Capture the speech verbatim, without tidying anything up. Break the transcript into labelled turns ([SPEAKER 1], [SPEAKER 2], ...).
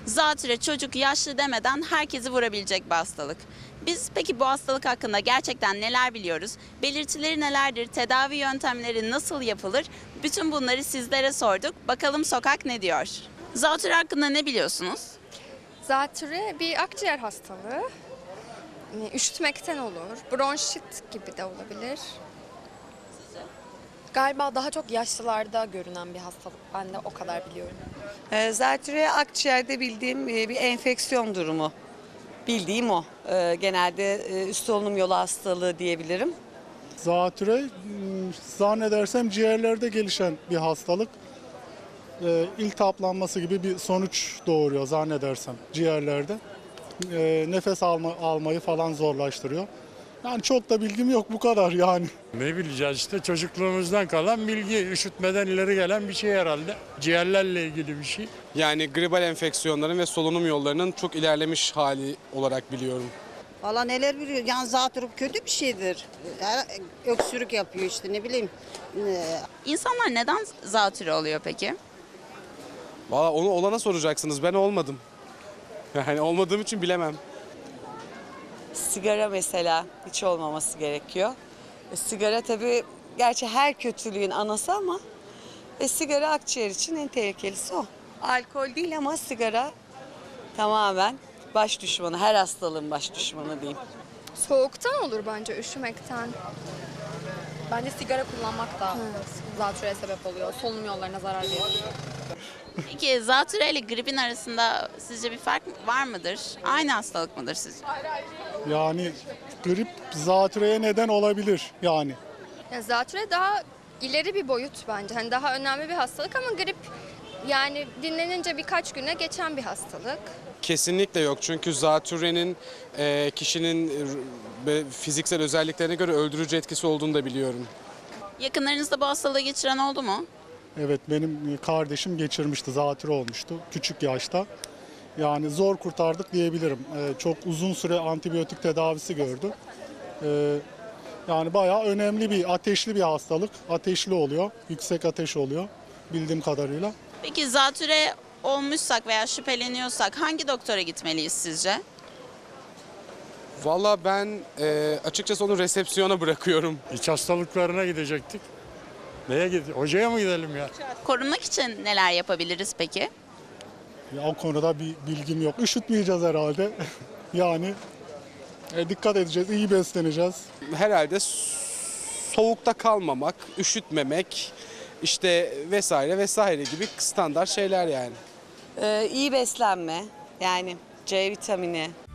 [SPEAKER 1] Zatürre çocuk, yaşlı demeden herkesi vurabilecek bir hastalık. Biz peki bu hastalık hakkında gerçekten neler biliyoruz? Belirtileri nelerdir? Tedavi yöntemleri nasıl yapılır? Bütün bunları sizlere sorduk. Bakalım sokak ne diyor? Zatürre hakkında ne biliyorsunuz?
[SPEAKER 2] Zatürre bir akciğer hastalığı. Yani üşütmekten olur. Bronşit gibi de olabilir.
[SPEAKER 3] Galiba daha çok yaşlılarda görünen bir hastalık. Ben de o kadar biliyorum.
[SPEAKER 4] Ee, Zatürre akciğerde bildiğim e, bir enfeksiyon durumu. Bildiğim o. Ee, Genelde e, üst solunum yolu hastalığı diyebilirim.
[SPEAKER 5] Zatürre m, zannedersem ciğerlerde gelişen bir hastalık. Ee, İltihaplanması gibi bir sonuç doğuruyor zannedersem ciğerlerde. Ee, nefes alma, almayı falan zorlaştırıyor. Yani çok da bilgim yok, bu kadar yani.
[SPEAKER 6] Ne bileceğiz işte, çocukluğumuzdan kalan bilgi, üşütmeden ileri gelen bir şey herhalde. Ciğerlerle ilgili bir şey.
[SPEAKER 7] Yani gribal enfeksiyonların ve solunum yollarının çok ilerlemiş hali olarak biliyorum.
[SPEAKER 8] Valla neler biliyor. Yani zatürre kötü bir şeydir. Her- Öksürük yapıyor işte ne bileyim. Ee,
[SPEAKER 1] İnsanlar neden zatürre oluyor peki?
[SPEAKER 7] Valla onu olana soracaksınız, ben olmadım. Yani olmadığım için bilemem.
[SPEAKER 4] Sigara mesela hiç olmaması gerekiyor. E, sigara tabii gerçi her kötülüğün anası ama e, sigara akciğer için en tehlikelisi o. Alkol değil ama sigara tamamen baş düşmanı. Her hastalığın baş düşmanı diyeyim.
[SPEAKER 2] Soğuktan olur bence, üşümekten.
[SPEAKER 3] Bence sigara kullanmak da zatürreye sebep oluyor. Solunum yollarına zarar veriyor.
[SPEAKER 1] Peki zatürre ile gripin arasında sizce bir fark var mıdır? Aynı hastalık mıdır sizce?
[SPEAKER 5] Yani grip zatürreye neden olabilir yani.
[SPEAKER 2] Yani zatürre daha ileri bir boyut bence. Hani daha önemli bir hastalık ama grip yani dinlenince birkaç güne geçen bir hastalık.
[SPEAKER 7] Kesinlikle yok, çünkü zatürrenin e, kişinin e, fiziksel özelliklerine göre öldürücü etkisi olduğunu da biliyorum.
[SPEAKER 1] Yakınlarınızda bu hastalığı geçiren oldu mu?
[SPEAKER 5] Evet, benim kardeşim geçirmişti, zatürre olmuştu küçük yaşta. Yani zor kurtardık diyebilirim. Ee, çok uzun süre antibiyotik tedavisi gördü. Ee, yani bayağı önemli bir, ateşli bir hastalık. Ateşli oluyor, yüksek ateş oluyor bildiğim kadarıyla.
[SPEAKER 1] Peki zatürre olmuşsak veya şüpheleniyorsak hangi doktora gitmeliyiz sizce?
[SPEAKER 7] Valla ben e, açıkçası onu resepsiyona bırakıyorum.
[SPEAKER 6] İç hastalıklarına gidecektik. Neye gidelim? Hocaya mı gidelim ya?
[SPEAKER 1] Korunmak için neler yapabiliriz peki?
[SPEAKER 5] Ya, o konuda bir bilgim yok. Üşütmeyeceğiz herhalde. yani e, dikkat edeceğiz, iyi besleneceğiz.
[SPEAKER 7] Herhalde soğukta kalmamak, üşütmemek, işte vesaire vesaire gibi standart şeyler yani.
[SPEAKER 4] Ee, iyi beslenme, yani C vitamini,